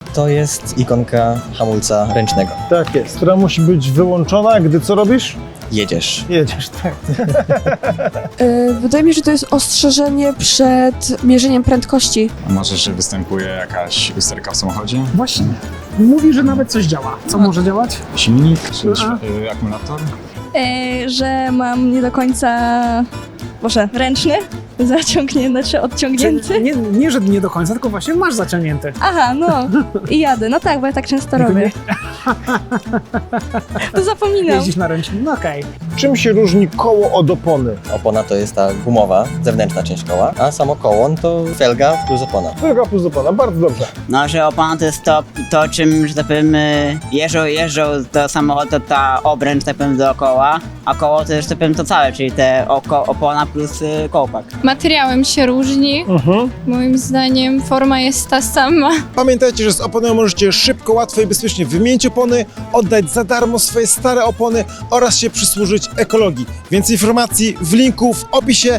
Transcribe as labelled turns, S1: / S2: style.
S1: To jest ikonka hamulca ręcznego.
S2: Tak jest, która musi być wyłączona, gdy co robisz?
S1: Jedziesz.
S2: Jedziesz, tak.
S3: Wydaje mi się, że to jest ostrzeżenie przed mierzeniem prędkości.
S4: A może, że występuje jakaś usterka w samochodzie?
S5: Właśnie. Mówi, że nawet coś działa. Co może działać?
S4: Silnik czy akumulator?
S6: Że mam nie do końca, ręczny, znaczy odciągnięty.
S5: Nie, że nie do końca, tylko właśnie masz zaciągnięty.
S6: Aha, no i jadę. No tak, bo ja tak często robię. To zapominam.
S5: Jeździsz na ręcznym, no okej.
S2: Czym się różni koło od opony?
S1: Opona to jest ta gumowa, zewnętrzna część koła, a samo koło to felga plus opona.
S2: Felga plus opona, bardzo dobrze.
S7: No, że opona to jest to czym, że tak powiem, jeżdżą do samochodu, ta obręcz, tak powiem, dookoła, a koło to już, tak powiem, to całe, czyli te opona plus kołpak.
S8: Materiałem się różni. Moim zdaniem forma jest ta sama.
S2: Pamiętajcie, że z oponą możecie szybko, łatwo i bezpiecznie wymienić opony, oddać za darmo swoje stare opony oraz się przysłużyć ekologii. Więcej informacji w linku w opisie